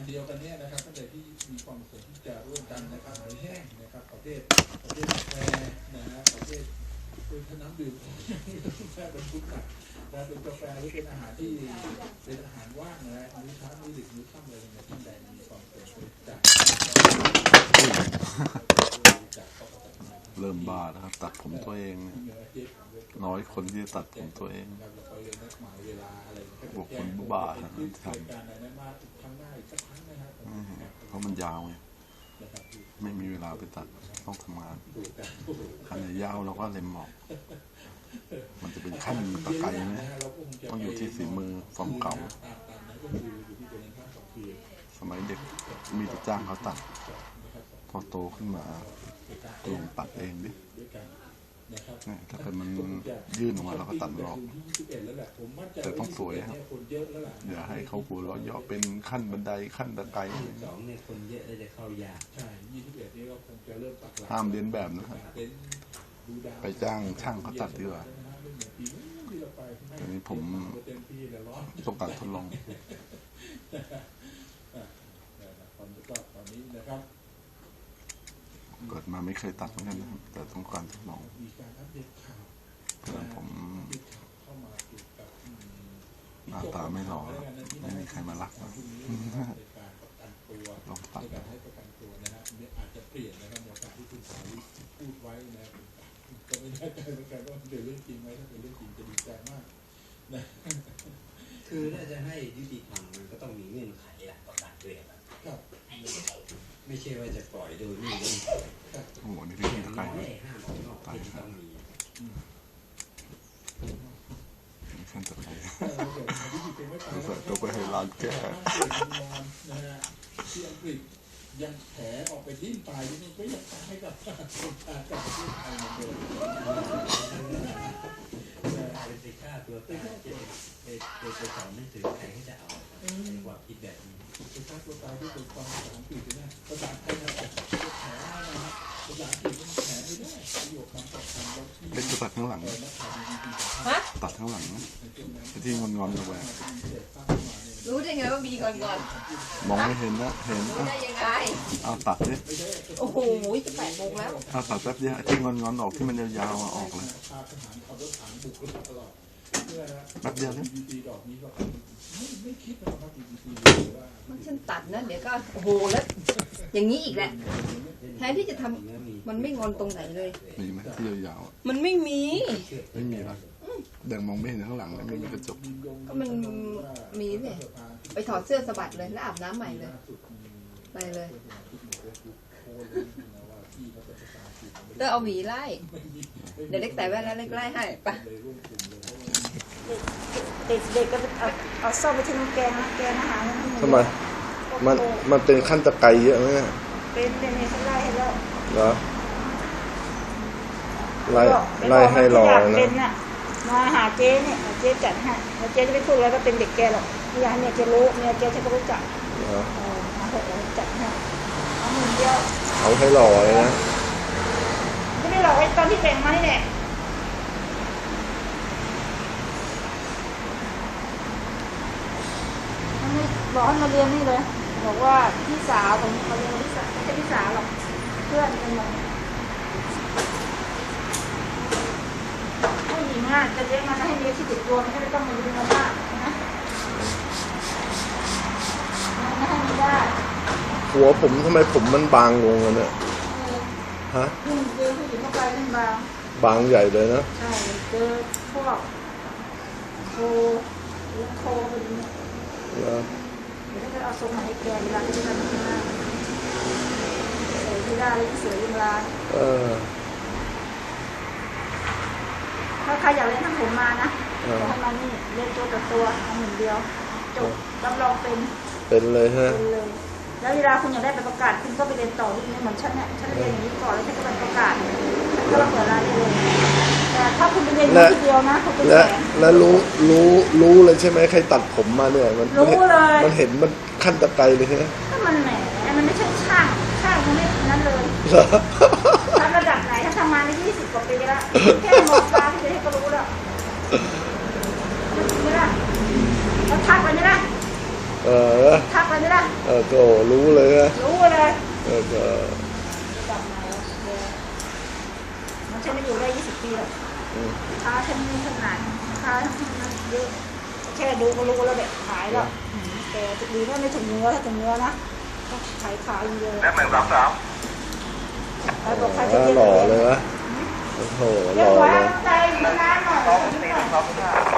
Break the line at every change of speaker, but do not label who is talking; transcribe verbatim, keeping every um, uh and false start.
เดียวกันเนี่ยนะครับท่านใดที่มีความประสงค์ที่จะร่วมกันนะครับหอยแห้งนะครับประเภทประเภทกาแฟนะฮะประเภทเป็นน้ำดื่มแค่เป็นพุทธะนะเป็นกาแฟหรือเป็นอาหารที่เป็นอาหารว่างนะมื้อเช้ามื้อดึกมื้อค่ำเลยเนี่ยท่านใดมีความประสงค์จะ
เริ่มบ้านะครับตัดผมตัวเองน้อยคนที่จะตัดผมตัวเองบวกคนบ้าทำเพราะมันยาวไงไม่มีเวลาไปตัดต้องทำงานขั้นยาวเราก็เล็มหมอกมันจะเป็นขั้นตะไคร้ไหมต้องอยู่ที่ฝีมือฟอร์มเก่าสมัยเด็กมีแต่จ้างเขาตัดพอโตขึ้นมาลองตัดเองดิถ้าเกิดมันยื่นออกมาเราก็ตัดมันออกแต่ต้องสวยครับอย่าให้เขาหัวเราะเยาะเป็นขั้นบันไดขั้นตะไคร้ห้ามเลียนแบบนะครับไปจ้างช่างเขาตัดดีกว่าตอนนี้ผมต้องการทดลองเกิดมาไม่เคยตัดเหมือนกันนะครับแต่ต้องการทดลองเพราะผมหน้าตาไม่หล่อไม่มีใครมารักนะลองตัดอาจจะเปลี่ยนนะครับในการที่คุณสาวิพูดไว้นะก็ไม่แน่ใจเหมือนกันว่าเป็นเรื่องจริงไหมถ้าเป็นเรื่องจริงจะดีใจมากนะ
คือถ้าจะให้ยุติธรรมมันก็ต้องมีเงื่อนไขหลักประกันด้วยครับไม่ใช่ว่าจะปล่อยโดยไม่มีโอ้โหนี่เป็นตะไคร้ห้ามออกนอกที่ต้องมีขั้นตะไคร้ตัวไปให้ร้านแก้
ที่อังกฤษยังแผลออกไปทิ้งตายนี่ก็ยังตายกับคนตายกับที่ไทยเหมือนเดิม
เป็นสิค่าตัวตายจะโดยตัวสอนไม่ถึงใครที่จะเอาความคิดแบบนี้
เป็นค่าตัวตายที่เป็นความภาษาอังกฤษนะภาษาไทยนะแผลนะครับภาษาอังกฤษมันแผลไม่ได้ประโยคคำศัพท์คำเราที่
เป็นตัดข้างหลังตัดข้างหลังนะที่งอนๆลงไป
รู้ได้ไงว่ามีก่อนก่อน
มองไม่เห็นนะเห็น
ได้ยังไง
เอาตัดดิ
โอ้โหจะแปดโมงแล้ว
เอาตัดแป๊บเดียวที่งอนๆออกที่มันยาวๆออกเลยแป๊บเดียวเลย
มันฉันตัดนะเดี๋ยวก็โอ้โหแล้วอย่างนี้อีกแหละแทนที่จะทำมันไม่งอนตรงไหนเลย
มีไหมที่ยาว
ๆมันไม่มี
ไม่มีหรอกแดงมองไม่เห็นข้างหลังเลยไม่มีกระจก
ก็มันมีเนี่ยไปถอดเสื้อสะบัดเลยแล้วอาบน้ำใหม่เลยไปเลยเดี๋ยวเอาหวีไล่เดี๋ยวเล็กใส่แว่นแล้วเล็กไล่ให้ไป
เด็กๆก็เอาเอาส้มไปทิ้งแกงนะแกงอาหาร
ทำไมมันมันเป็นขั้นตะไคร้เยอะไหม
เป็นเป็นในไล่ให้แล้ว
เหรอไล่ไล่ให้รอ
นะมาหาเจ๊เนี่ยเจ๊จัดให้แล้วเจ๊จะไม่พูดแล้วก็เป็นเด็กแกหรอกอยากให้เนี่ยเจ๊รู้เนี่ยเจ๊จะก็รู้จักเออมาเถอะจัดให้เอาหนึ่งเดียว
เอาให้รอเลยนะ
ไม่ได้หรอกไอ้ตอนที่แต่งมานี่แหละบอกให้มาเรียนนี่เลยบอกว่าพี่สาวผมมาเรียนพี่สาวไม่ใช่พี่สาวหรอกเพื่อนกันหมดผู้หญิงอ่ะจะเลี้ยงมันให้เลี้ยงที่ติดตัวมันไม่ต้องมาเลี้ยงมันมากนะไม่ให้ไม่ได้
หัวผมทำไมผมมันบางลงเลยเนี่ยฮะ
เจอผู้หญิงเข้าไปมันบาง
บางใหญ่เลยนะ
ใช่เจอพวกโคโคแบบนี้เดี๋ยวถ้าเอาทรงมาให้แกเวลาที่ทำงานใส่ที่ได้เลยเสือยิงลาย
เออ
ถ้าใครอยากเล่นทำผมมานะทำมานี่เล่นตัวต่อตัวทำหนึ่งเดียวจบรับรองเป็น
เป็นเลยฮะ
เป็นเลยแล้วเวลาคุณอยากได้ไปประกาศคุณก็ไปเรียนต่อที่นี่เหมือนฉันเนี่ยฉันเรียนอย่างนี้ก่อนแล้วฉันก็ไปประกาศฉันก็รับเปิดร้านได้เลยแต่ถ้าคุณไปเรียนทีเดียวนะคุณเป็นแสน
แล้วรู้รู้รู้เลยใช่ไหมใครตัดผมมาเนี่ยมัน
รู้เลย
มันเห็นมันขั้นตะไคร้เลยใช่ไหม
ก็มันแหมมันไม่ใช่ช่างช่างมันไม่นั้นเลยทำระดับไหนถ้าทำมาในยี่สิบกว่าปีแล้วแค่มองตาที่จะให้ก็รู้แล้วไม่ได้เราทักไปไม่ได้
เอเออ
ทักเลยนี่ละ
เออก็รู้เลยนะ
รู้เลย
เออก็
กลับมาแล้วแกมันฉันไม่อยู่ได้ยี่สิบปีแล้วค้าฉันขนาดค้านั้นเยอะแค่ดูก็รู้แล้วแบบขายแล้วแต่ดีว่าไม่ถึงเนื้อถ้าถึงเนื้อนะก็ขายขายเยอะแล้วเหมือนรับแล้วบอกใครจะเยอะ
หล่อเลยนะโอ้โหห
เย
ล่
อะ
อ
ไว้
เลย
ใจมานานหน่อย